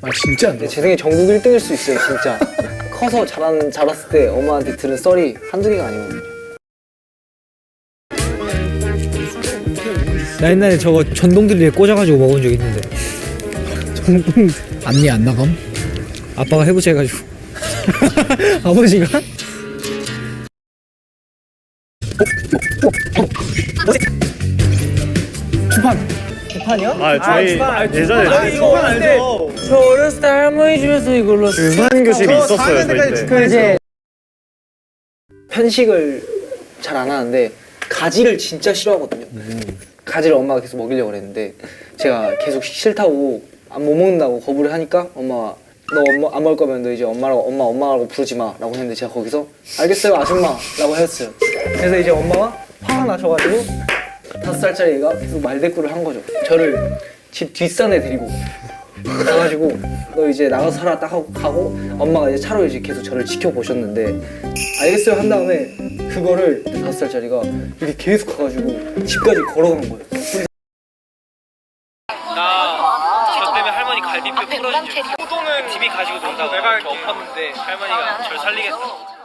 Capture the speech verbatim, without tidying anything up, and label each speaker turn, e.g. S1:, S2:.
S1: 아 진짜 안
S2: 근데
S1: 돼.
S2: 제 생에 전국 일 등일 수 있어요 진짜. 커서 자란, 자랐을 때 엄마한테 들은 썰이 한두 개가 아니거든요.
S3: 나 옛날에 저거 전동드릴에 꽂아가지고 먹은 적 있는데
S1: 전공 앞니 안 나감?
S3: 아빠가 해보자 해가지고 아버지가?
S1: 주판.
S4: 아 저희 예전에
S2: 이거 알죠? 저 어렸을 때 할머니 집에서 이걸로
S4: 주산 교실이 있었어요 저희 때.
S2: 그 이제 편식을 잘 안 하는데 가지를 진짜 싫어하거든요. 가지를 엄마가 계속 먹이려고 그랬는데 제가 계속 싫다고 안 못 먹는다고 거부를 하니까 엄마가 너 엄마 안 먹을 거면 너 이제 엄마라고 엄마 엄마라고 부르지 마라고 했는데 제가 거기서 알겠어요 아줌마라고 했어요. 그래서 이제 엄마가 화가 나셔가지고 다섯 살짜리 애가 계속 말대꾸를 한 거죠. 저를 집 뒷산에 데리고 가가지고 너 이제 나가서 살아 딱 하고 가고 엄마가 이제 차로 이제 계속 저를 지켜보셨는데 알겠어요 한 다음에 그거를 다섯 살짜리가 이렇게 계속 가가지고 집까지 걸어간 거예요.
S5: 저 때문에 할머니 갈비뼈 부러진 적 있어요. 호동은 집이 가지고 논다고 내가 이렇게 엎었는데 할머니가 절 살리겠다고